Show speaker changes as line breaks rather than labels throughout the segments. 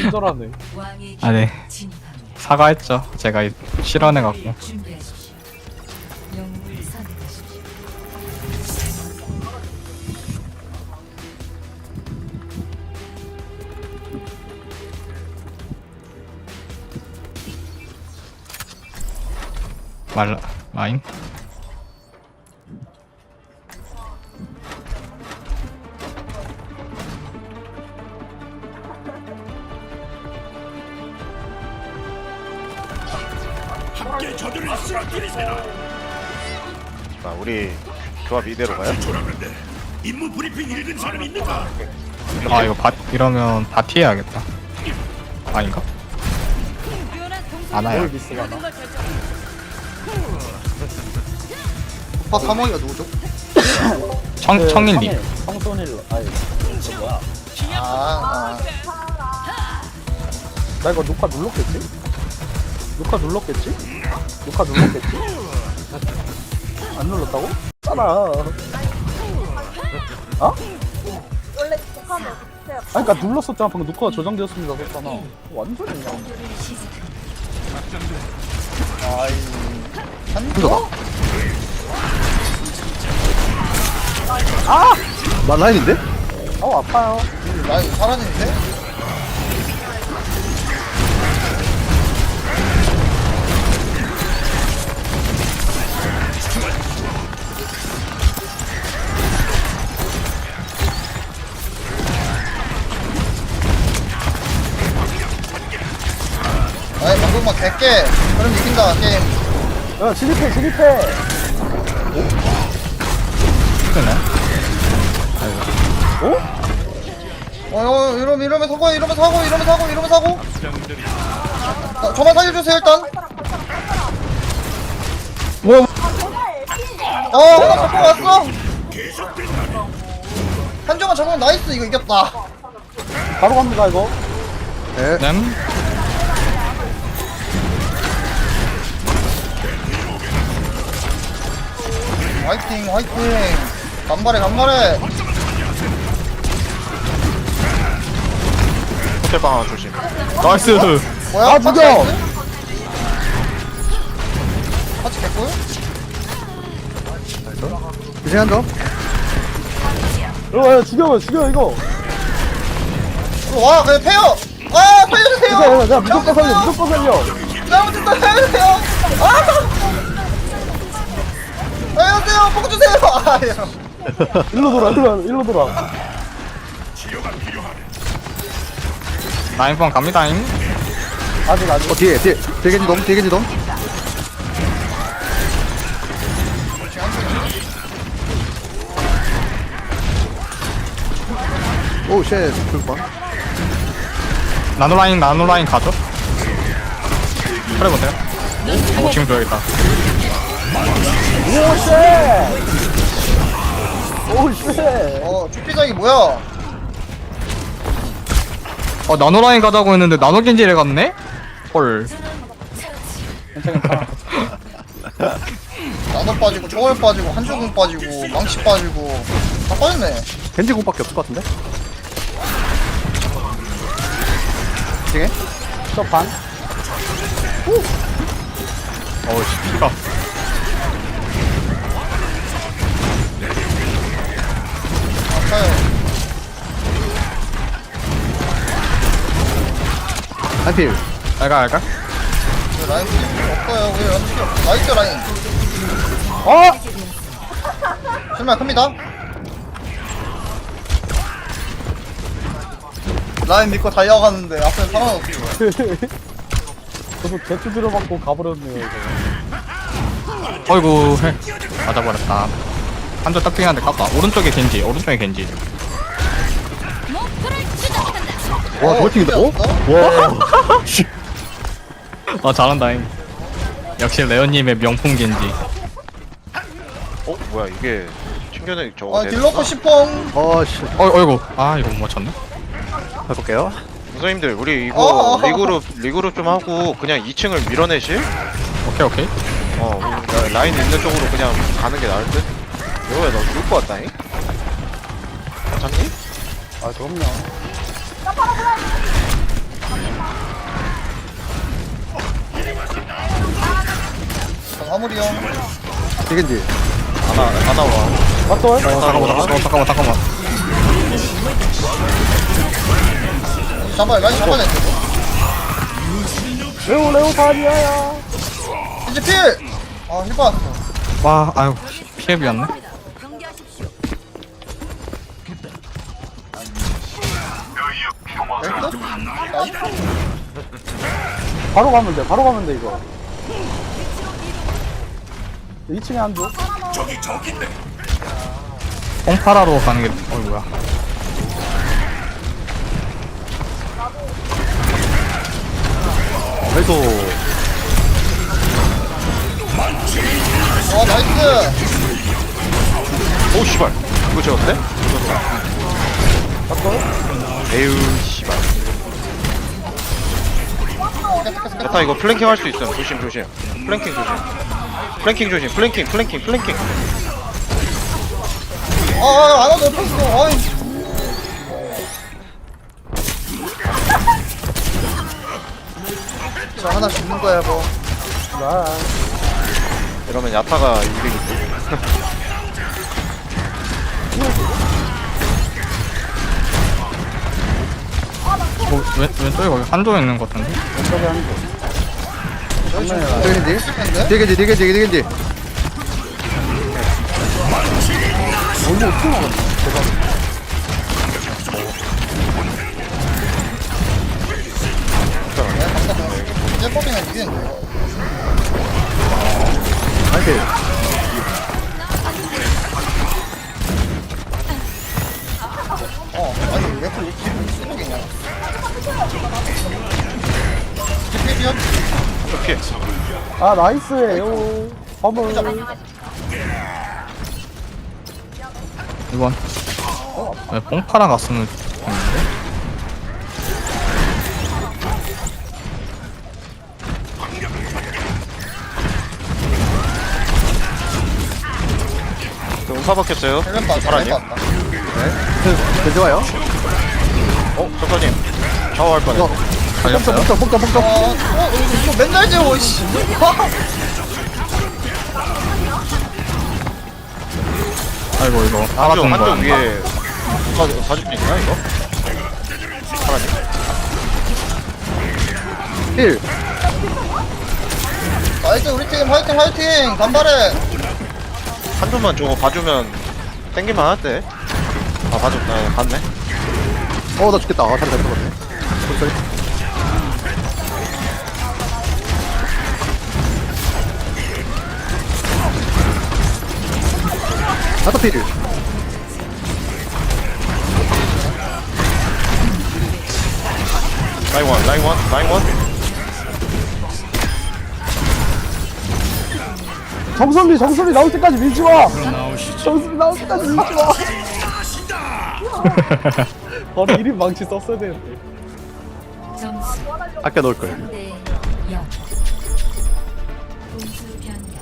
친절하네.
아, 네. 사과했죠. 제가 실언해갖고. 마인?
자, 우리 조합 이대로 가요?
아, 이거 이러면 바티 해야겠다. 아닌가? 안 와요.
뭘 미스가나?
오빠 3호이가 누구죠?
청일리.
청소닐로. 아니, 저 뭐야?
아,
나 이거 녹화 눌렀겠지? 녹화 눌렀겠지? 안 눌렀다고? 따라. 어?
원래 녹화하면 어떻게 해요?
아니, 그니까 눌렀었잖아. 방금 녹화가 저장되었습니다. 그랬잖아. 완전히 그냥.
아이, 한조다.
나 라인인데?
아우, 아파요.
라인 사라지는데? 아이, 방금만 객게. 그럼 이긴다, 게임.
야, 진입해.
그네.
이러면 사고. 저만 살려주세요, 일단.
뭐?
하나 잡고 왔어. 한조만 잡으면 나이스, 이거 이겼다.
바로 갑니다, 이거.
램?
화이팅. 간발해.
호텔방 하나 조심.
나이스!
뭐야?
아, 죽여!
같이 개꿀?
이제 한 점.
야, 죽여, 이거.
와, 그냥 패요! 아, 살려주세요!
야, 무조건 살려.
잘못했다, 살려주세요! 살려주세요! 뽕 주세요! 아, 예.
일로 돌아.
라인번 갑니다잉.
아직.
뒤에 겐지 돔. 오, 쉣. 불빵.
나노라인 가죠? 그래 보세요. 지금 줘야겠다.
오, 쉣.
주피장이 뭐야?
나노라인 가자고 했는데 나노겐지를 갔네? 헐.
나도 빠지고, 초월 빠지고, 한조공 빠지고, 망치 빠지고, 다 빠졌네.
겐지 공밖에 없을 것 같은데? 징해?
저 반.
어우, 피가.
아파요.
한필.
알가.
왜 라인 필요 없어요. 왜 라인 필요 없어? 나이스 라인. 실말 큽니다. 라인 믿고 달려가는데 앞에 사람 없어.
저도 개투 들어받고 가버렸네요, 이거.
어이구, 맞아버렸다. 한조 딱빙한데 깠다. 오른쪽에 겐지.
와, 돌팅이다. 어? 와.
잘한다잉. 역시 레오님의 명품 겐지.
뭐야, 이게 튕겨내 저거.
아, 딜러프 시펑.
씨.
어이구. 아, 이거 못 맞췄네.
해볼게요.
선생님들, 우리 이거
어.
리그룹 좀 하고 그냥 2층을 밀어내실?
오케이.
라인 있는 쪽으로 그냥 가는 게 나을 듯? 여우야, 너 죽을 것 같다잉? 괜찮니?
아, 그럼요.
화물이 형.
되겠지.
하나 와.
맞다.
잠깐만.
잡아야 라인 잡아야 돼.
레오 다리아야.
이제 필. 아 힐 받았어.
와, 아유, 피해 비었네.
나이스. 나이스.
바로 가면 돼 이거. 2층에 한 조.
뽕파라로 가는 게, 뭐야.
그래도
나이스.
오 씨발. 이거 재웠대? 에휴 씨발. 야타 이거 플랭킹 할 수 있어. 조심. 플랭킹 조심. 플랭킹.
안 와도 없었어. 아이. 저 하나 죽는 거야 뭐.
이러면 야타가 이득이지.
왼쪽에 거기 한조 있는 것 같은데?
왼쪽에 한 조.
되겠지. 되겠지.
너무 어떻게 먹었냐?
이제 뽑히면 이기는데.
한필.
아니 왜 그렇게 기분 쓰레기냐. 필이요?
피해.
아 나이스예요. 화물.
이건. 왜 뽕파라 갔으면 좋겠는데?
음파 박혔어요.
헬멧 받았다.
파라님.
헬멧 받았다.
좋아요.
저까지 샤워할 뻔했어.
달렸어요?
폭점.
이거 맨날 재워 씨.
아이고, 이거.
한쪽
알아준 거야.
위에 사줄 수 있나 이거? 파라님.
필.
나이스 우리 팀 화이팅 간발해.
한 조만 저거 봐주면 땡길만 할때. 아 봤네.
나 죽겠다. 잘 잡았네. 소리. 나도 필.
라인 원.
정선미 나올 때까지 밀지 마. 정선미 나올 때까지 밀지 마. 바로 1인 망치 썼어야 되는데.
점수
아껴 놓을 걸.
3대 0. 공수 변경.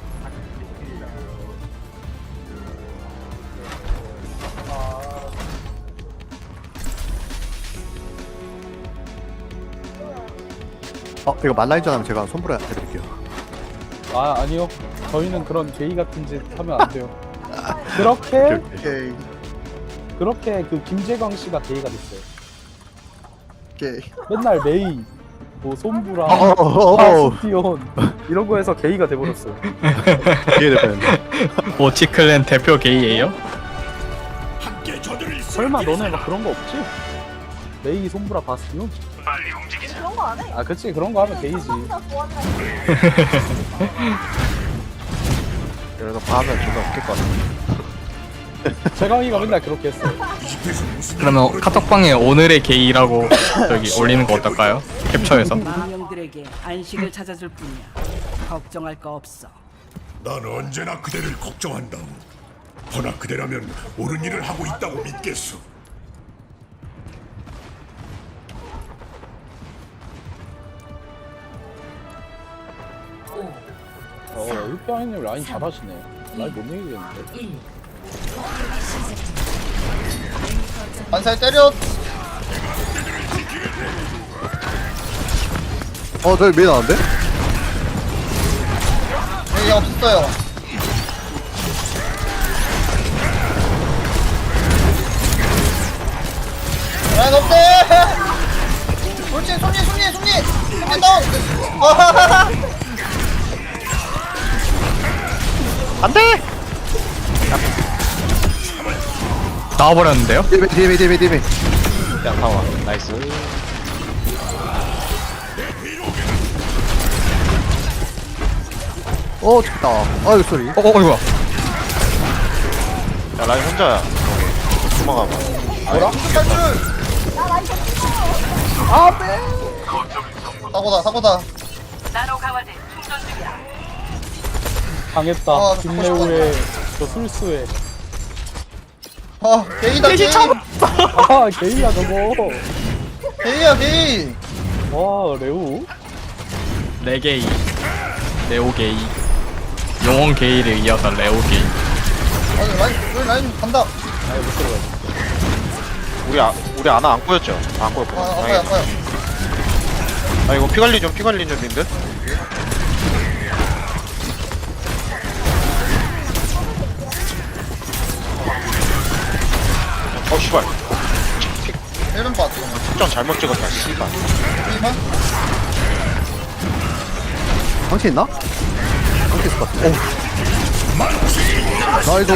이거 말라인전 하면 제가 손불에 해드릴게요.
아니요. 저희는 그런 게이 같은 짓 하면 안 돼요. 그렇게
오케이.
그 김재광 씨가 게이가 됐어요.
오케이.
맨날 메이, 뭐 손부랑
어어어어.
파스티온 이런 거에서 게이가 돼버렸어요.
이해됐네.
모치클랜 대표 게이예요?
설마 너네 막 그런 거 없지? 메이, 손부라, 바스티온?
그런 거 안 해.
아 그치 그런 거 하면 게이지.
진짜 좋아하는
그래서 봐하면 존나 웃길 것 같아.
재광이가 맨날 그렇게 했어요.
그러면 카톡방에 오늘의 게이라고 저기 올리는 거 어떨까요? 캡처해서.
망령들에게 안식을 찾아줄 뿐이야. 걱정할 거 없어.
난 언제나 그대를 걱정한다. 허나 그대라면 옳은 일을 하고 있다고 믿겠소.
일병이님 라인 잘하시네. 라인 못 이기겠는데.
반살 때려.
저기 메인 나왔는데?
얘 없었어요. 라인 없대. 그렇지, 손님 다운. 아하하하.
안돼.
나와버렸는데요?
디베.
야 타워. 나이스.
죽다. 아유, 쏘리.
이거야.
야 라인 혼자야. 여기. 도망가봐.
뭐라? 사고다.
나노 강화제 충전 중이야.
당했다.
아,
김래우의 저 술수에.
게이다, 게이.
아, 게이야, 저거.
게이야, 게이.
와, 레우.
레게이, 레오게이, 영원 게이를 이어서 레오게이.
라인 간다.
우리 아나 안 꼬였죠? 안 꼬였고.
아파요.
아 이거 피 관리 좀 님들. 씨발.
1번 봤어.
특전 잘못 찍었다. 씨발.
2번?
방치 있나? 방치 있을 것 같아. 나이도.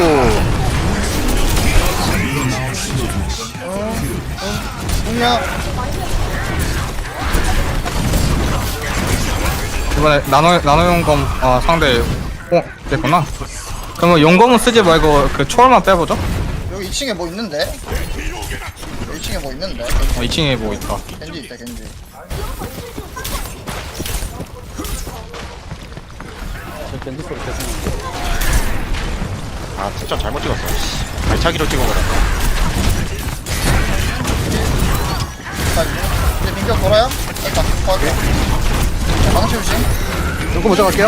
공이야.
이번에 나노 용검 상대 됐구나. 그러면 용검은 쓰지 말고 그 초월만 빼보죠.
여기 2층에 뭐 있는데? 2층에 뭐 있는데?
2층에 뭐 있다.
겐지 있다, 겐지.
저 밴드 소리 계속 나는데.
아 특전 잘못 찍었어. 씨. 발차기로 찍어버렸다.
자, 이제 민규 돌아요? 일단, 도와줘. 망치 조심.
요거 먼저 갈게요.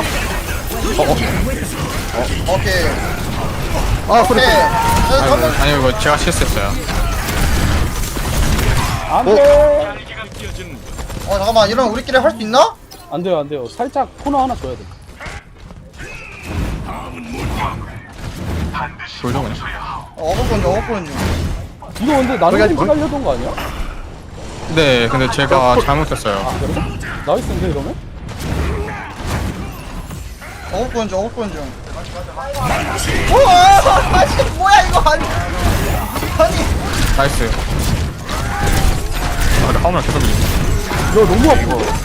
오케이.
소리.
오케이.
아니 이거 제가 실수했어요.
안 돼!
잠깐만, 이러면 우리끼리 할 수 있나?
안 돼요. 살짝 코너 하나 줘야 돼.
돌죠 그냥.
어거건지.
이거 근데 나는
거기까지
좀 깔려던 거 아니야?
네, 근데 제가 잘못했어요.
아, 그래? 나이스인데, 이러면?
어거건지. 우와! 뭐야, 이거. 아니.
나이스. 근데 화물 계속 밀리네.
야, 너무 아파.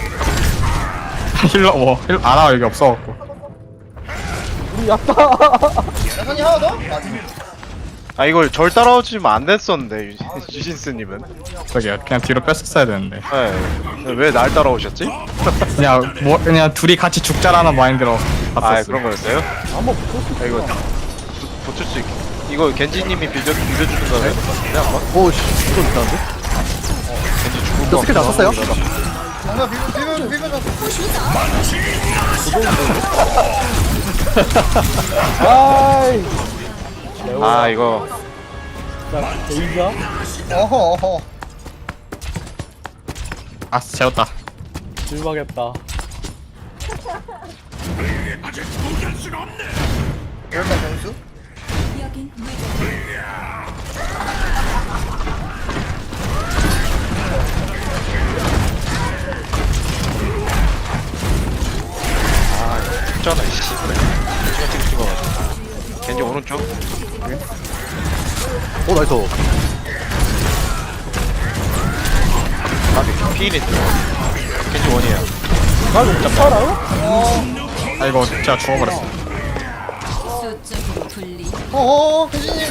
힐러 아나 여기 없어갖고.
우리 약다.
야선이 하나 더?
아 이걸 절 따라오지면 안 됐었는데 유신스님은.
저기요, 그냥 뒤로 뺐었어야 되는데.
네. 왜 날 따라오셨지?
그냥 둘이 같이 죽자라는 마인드로
아
갔었어요.
그런 거였어요?
한번 붙을 수
아, 이거
있어.
붙을 수 있. 이거 겐지님이 빌려주는 거네. 그냥 한번.
오씨, 이거 좋다는데?
겐지 죽을
저
거.
스킬 다 썼어요?
정말 비벼줘.
아이. 레우.
아 이거
자, 게이가.
어허.
아, 재웠다.
실망했다.
일단 변수?
여긴
있잖아 씨. 찍어가지고. 겐지 오른쪽.
나이스.
아 피일이 겐지 원이에요.
나 이거 못 살아요?
아, 이거 제가 죽어버렸어.
수적인 분리.
겐지님.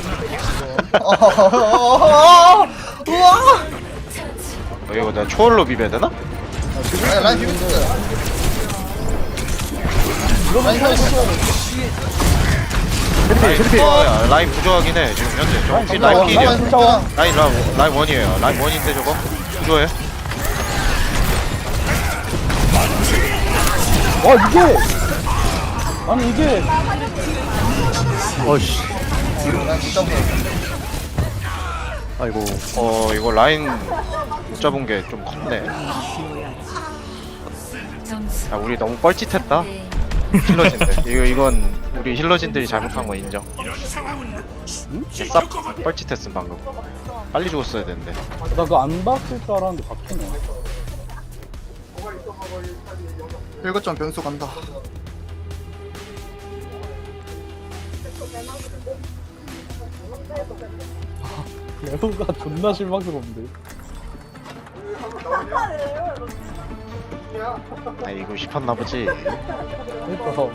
우와!
이거 내가 초월로 비벼야 되나?
라인 비벼줬어요. 라인 살려줬어요.
야, 라인 부조하긴 해 지금 현재. 저거 피 라인
라인
필이야.
숫자와.
라인 원이에요. 라인 원인데 저거 부조해.
이게! 아니, 이게.
어이씨.
라인 숫자
아이고.
이거 라인 못 잡은 게 좀 컸네.
점수
야 우리 너무 뻘짓했다. 힐러진들. 이건 우리 힐러진들이 잘못한 거 인정. 쌉 뻘짓했음 방금. 빨리 죽었어야 되는데.
나 그거 안 봤을 줄 알았는데 박히네.
1거점 변수 간다.
레오가 존나 실망스러운데.
아 이거 싶었나 보지.
그러니까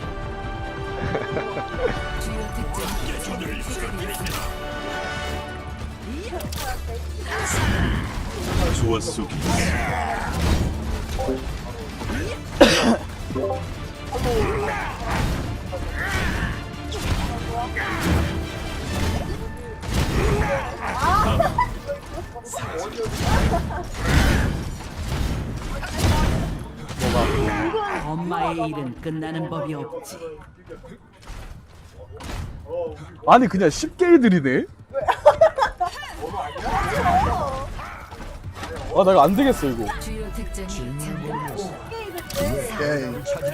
주요 특징
좋았어.
엄마의 일은 끝나는 법이 없지.
아니 그냥 쉽게 해드리네. 아 나 이거 안 되겠어 이거.
주요 특징이 잠금
오케이.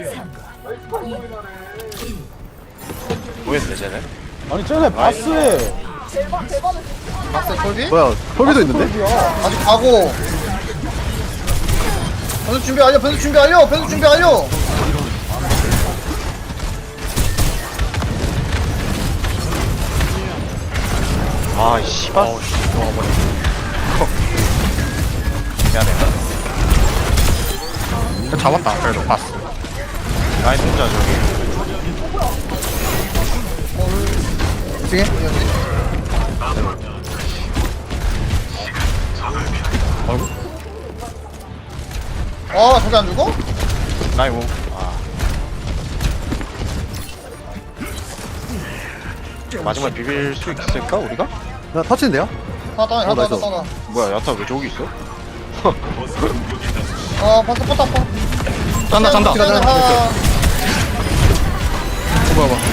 뭐였네 쟤네?
아니 쟤네 바스에
박스 콜비?
뭐야 콜비도 있는데?
아직 가고. 변수 준비 완료. 변수 준비 완료. 변수 준비 완료.
아 씨발. 미안해.
잡았다. 그래도 봤어.
라인 혼자 저기.
중에? 아 저기 안 죽어?
라인 오. 아. 마지막에 비빌 수 있을까 우리가?
나 터치인데요?
하나 따. 하나 따.
나이스.
하나 따.
뭐야 야타 왜 저기 있어?
아 박스 포탑 포.
짠다 짠다.
하나.
뭐야 봐.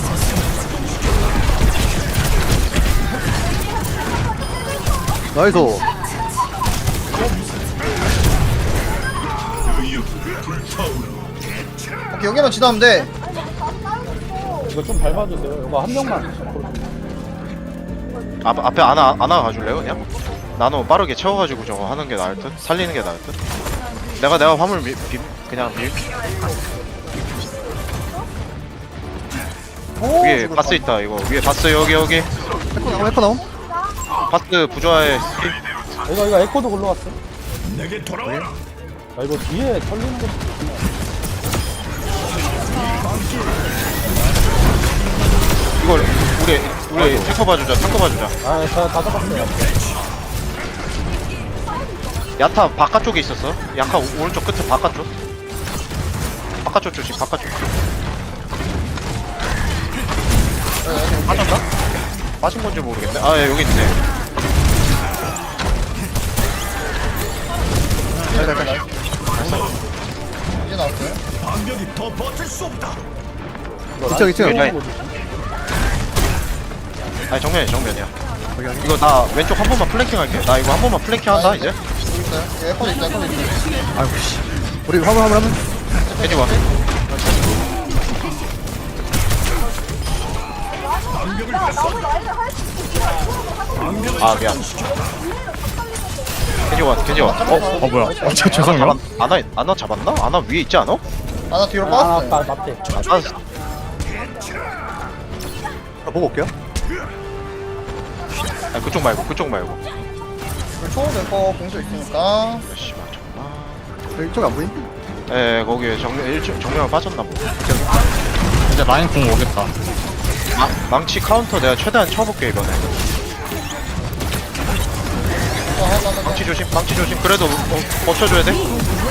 나이스.
오케이 여기만 지나면 돼.
이거 좀 밟아주세요. 이거 한 명만.
앞에 안아 가줄래요 그냥? 나노 빠르게 채워가지고 저거 하는 게 나을 듯? 살리는 게 나을 듯? 내가 화물 그냥 위에 바스 있다 이거 위에 바스 여기
에코 나옴?
바스 부조화에
이거 에코도 굴러갔어.
내게 돌아와라.
아 이거 뒤에 털리는 것도 좋구나.
이걸 우리 탱커 봐주자
아 제가 다 잡았어요.
야타 바깥쪽에 있었어 야타 오른쪽 끝에 바깥쪽 조심 바깥쪽 빠졌나? 빠진 건지 모르겠네 아 예, 여기 있네
이제 나왔어요.
방벽이 더 버틸 수 없다.
이쪽 이쪽.
야, 아니 정면이야 이거 나 왼쪽 한 번만 플랭킹 할게 나 이거 한 번만 플랭킹 한다 이제
여기 있어요. 여기 에코도 있다. 에코도 있다.
아이고 씨. 우리 화물.
해지 와 아 미안 겐지 와
뭐야? 죄송해요.
아나 잡았나? 아나 위에 있지 않아?
하나 뒤로
아
빠졌어요.
앞에.
보고 올게요.
아 그쪽 말고
초록 에코 공수 있으니까.
씨발 정말
이쪽에 안 보임?
에 거기에 정면을 빠졌나 보다
이제 라인 공 오겠다.
망치 카운터 내가 최대한 쳐볼게 이번에 망치 조심 그래도 버텨줘야 돼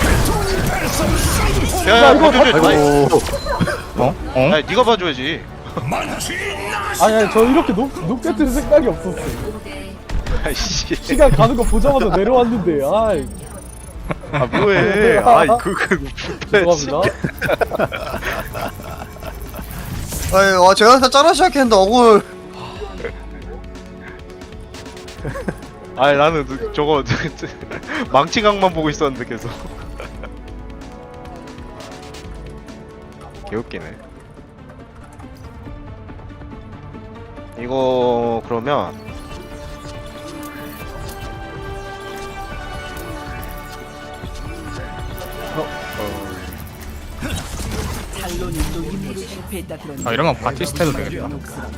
야야 버텨줘
아이고.
어?
아니 니가 봐줘야지
아니 저 이렇게 높게 뜰 생각이 없었어.
아이씨
시간 가는 거 보자마자 내려왔는데 아이
아 뭐해 아이
죄송합니다.
아유, 제가 다 짜라 시작했는데 억울.
아니 나는 저거 망치각만 보고 있었는데 계속 개웃기네. 이거 그러면
탈론이 또 임무를 실패했다 그러니
아 이러면 바티스트 해도 되겠다.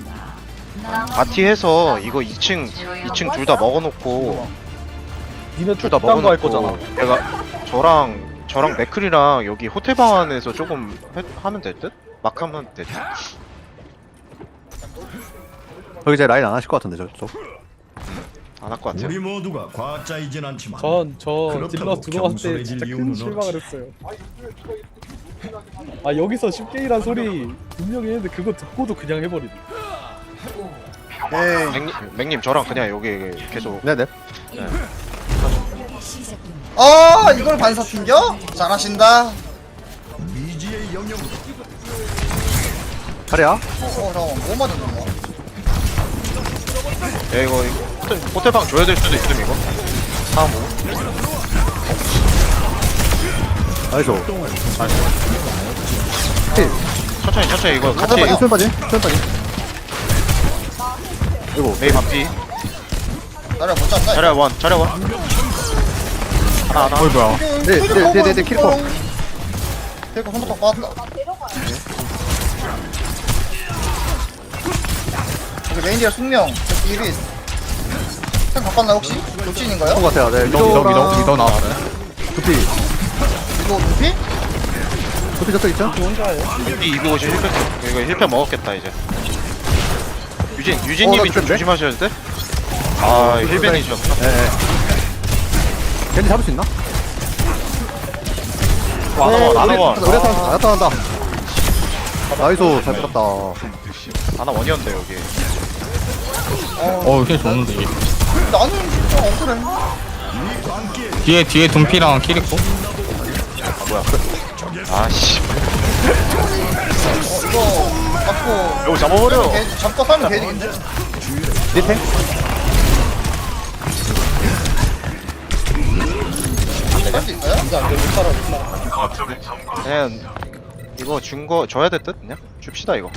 바티해서 이거 2층 둘 다 먹어놓고
니네
둘 다
딴거 할
먹어놓고
거잖아.
내가 저랑 맥클이랑 여기 호텔 방 안에서 조금 하면 될 듯? 막 하면 될 듯?
거기 이제 라인 안 하실 것 같은데 저쪽.
안 할 것 같아요.
우리 모두가 과학자이진 않지만
저 딜러
그렇다고
들어갈 때 진짜
겸손해질
큰
이유는
실망을
없지.
했어요. 아 여기서 쉽게 일한 소리 분명히 했는데 그거 듣고도 그냥 해버리네.
에이.
맥님 저랑 그냥 여기 계속
네네.
시작됩니다.
아 이걸 반사 튕겨? 잘하신다.
미지의 영역
자리야.
잠깐만 뭐 맞았냐?
야 이거 호텔 방 줘야 될 수도 있음 이거. 다음 뭐?
나이스.
천천히 이거 같이
수면 빠지. 수면 빠지. 이거
메이 반피.
나를 못 잡나?
자리야 원. 하나.
어이 뭐야?
네, 키리코.
캐릭터 손톱 빠졌다. 여기 메인디어 숙명. 여기 이리. 생 바꿨나 혹시? 도찐인가요?
것 같아요. 네.
미더 나왔어요.
두피.
이거 루피?
두피 저쪽 있죠?
혼자예요?
이 250 힐팩 이거 힐팩 먹었겠다 이제. 유진님이
나
좀
됐네?
조심하셔야 돼. 아 힐벤이셨어.
네. 겐지 잡을 수 있나?
나나원
우리 나타난다. 나이스. 잘 끌었다.
나나 원이었는데 여기.
어 이게 좋은데.
나는 진짜 억울해.
뒤에 둠피랑 키리코.
아씨
이거 잡고
이거 잡아버려.
잡고 살면 개이득인데?
밑에?
할 수 있어요?
그냥 이거 준 거 줘야 될 듯? 그냥 줍시다 이거.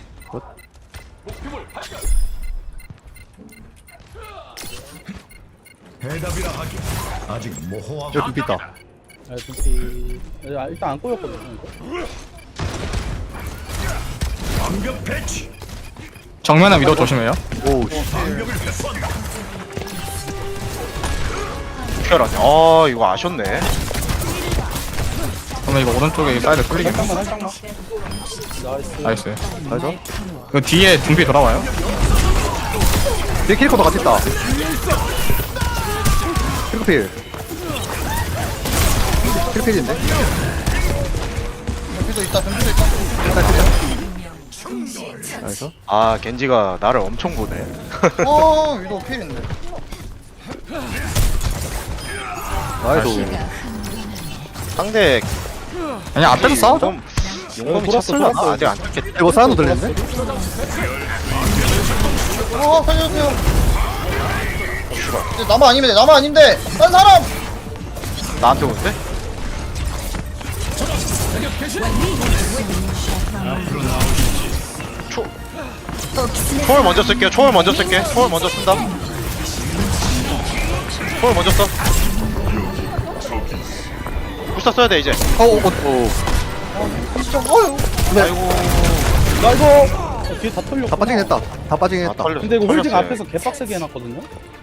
해답이라 하기 아직 모호하고
여기 두피 있다.
아 두피 일단 안 꼬였거든요 이거.
완벽 배치
정면에 미더 조심해요.
오.
특별하네. 아 이거 아셨네.
그러면 이거 오른쪽에 사이드 끌리겠네.
살짝만. 나이스.
나이스.
나이스.
그 뒤에 둠피 돌아와요.
뒤에 키리코도 같이 있다. 키리코필. 키리필인데?
덤비도 있다 덤비도 있다.
나이스.
아 겐지가 나를 엄청 보네.
위도 필인데.
나이스.
상대
아니 앞에서 싸우자.
용검이
돌았어,
찼을라.
돌았어.
아직 안 찼겠다.
이거 사운드 들리는데?
살려주세요. 이제 나만 아니면 돼. 나만 아닌데. 딴 사람.
나한테 오는데? 초월 먼저 쓸게요. 초월 먼저 쓸게. 초월 먼저 쓴다. 초월 먼저 써. 불사 써야 돼 이제.
진짜 어휴.
아이고.
나 이거 뒤에 다 털렸구나.
다 빠지긴 했다. 다 빠지긴
아,
했다.
털렸어.
근데 이거 홀딩
털렸어요.
앞에서 개빡세게 해놨거든요.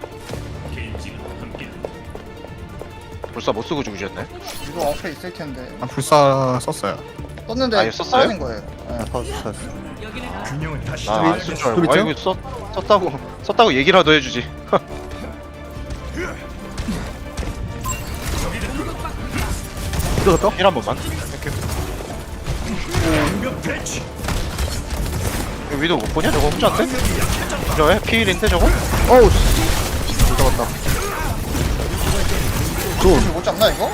불사 못 쓰고 죽으셨네.
위도 앞에 있을 텐데.
아, 불사 썼어요.
떴는데
아, 이거 썼어요?
사라진 거예요. 네.
터졌어.
균형을 다시
나안쓸 줄 알고.
좀 있죠?
아이고 썼다고 얘기라도 해주지.
뜯었어?
힐 한 번만.
완벽 배치
이거 위도 못 보냐 저거 혼자인데? 그래 피일인데 저거?
어우 씨. 못 잡았다.
이거 못 잡나 이거?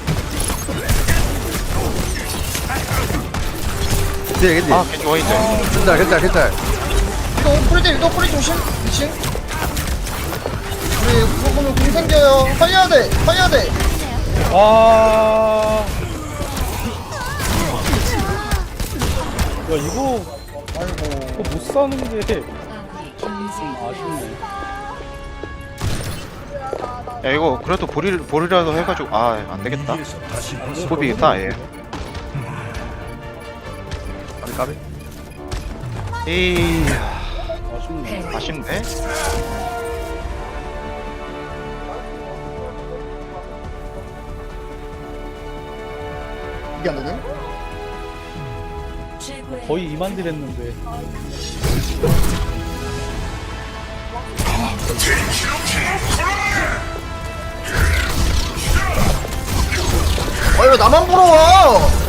뒤에 겐지.
아 겐지 와있네.
괜찮아.
위도 프리 조심. 2층. 우리 그거 보면 공 생겨요. 살려야 돼.
아 이거
아이고.
못 사는 게
아군이
아쉽네.
야 이거 그래도 볼이라도 해가지고 아 안되겠다. 소비겠다 얘.
까비.
에이
아쉽네.
아쉽네.
이게 안 되네?
최고의
거의 2만 딜 했는데.
왜 나만 부러워?